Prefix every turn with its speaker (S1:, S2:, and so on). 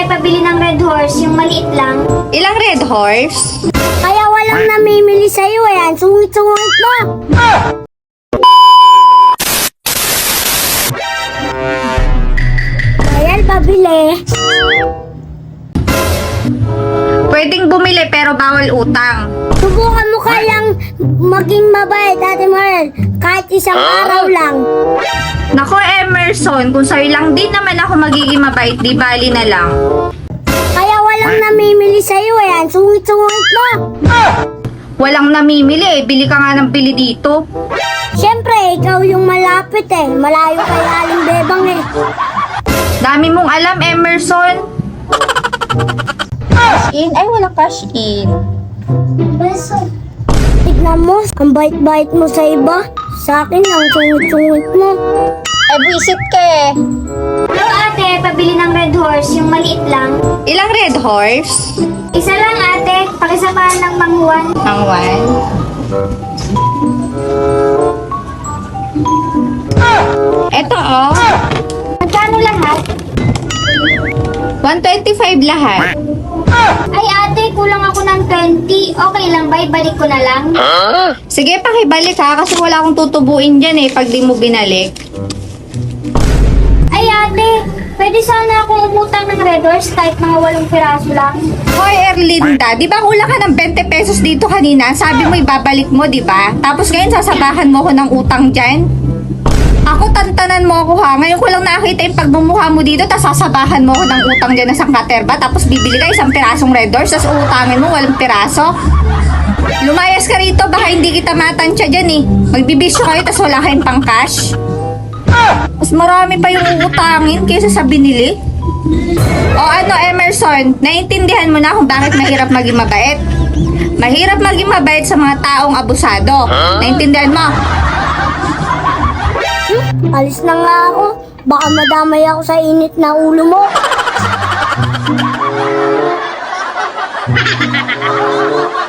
S1: pabili ng Red Horse, yung maliit lang.
S2: Ilang Red Horse?
S3: Kaya walang namimili sa'yo yan. Sungit-sungit mo. Ayan, pabili.
S2: Pwedeng bumili pero bawal utang.
S3: Subukan mo kayang maging mabait, Ate Marel. Kahit isang araw lang.
S2: Nako Emerson, kung sa'yo lang din naman ako magiging mabait, di bali na lang.
S3: Kaya walang namimili sa'yo yan. Sungit-sungit mo.
S2: Walang namimili bili ka nga ng bili dito.
S3: Siyempre, ikaw yung malapit eh. Malayo kay Aling Bebang eh.
S2: Dami mong alam, Emerson. Cash in? Ay, walang cash in.
S3: Tignan mo, ang bait-bait mo sa iba. Sa akin, ang sungit-sungit mo.
S2: Ay, buisit ka eh.
S1: Hello ate, pabili ng Red Horse, yung maliit lang.
S2: Ilang Red Horse?
S1: Isa lang ate, pakisabahan ng manghuan.
S2: Ang one. Eto oh.
S1: Magkano lahat?
S2: 125 lahat.
S1: Ay ate, kulang ako ng 20. Okay lang ba? Ibalik ko na lang.
S2: Sige, pakibalik ha, kasi wala akong tutubuin dyan eh, pag di mo binalik.
S1: Ay ate, pwede sana akong umutang ng Red Horse kahit mga 8 piraso lang.
S2: Hoy, Erlinda, di ba kulang ka ng 20 pesos dito kanina? Sabi mo ibabalik mo, di ba? Tapos ngayon sasabahan mo ko ng utang dyan? Ako, tantanan mo ako ha. Ngayon ko lang nakita yung pagmumukha mo dito, tapos sasabahan mo ko ng utang dyan na sangkaterba, tapos bibili ka isang pirasong Red Horse, tapos utangin mo 8 piraso. Lumayas ka rito, baka hindi kita matansya dyan eh. Magbibisyo kayo, tapos wala kayong pang cash. Mas marami pa yung utangin kaysa sa binili. O ano, Emerson, naiintindihan mo na kung bakit mahirap maging mabait. Mahirap maging mabait sa mga taong abusado. Naiintindihan mo?
S3: Alis na nga ako. Baka madamay ako sa init na ulo mo.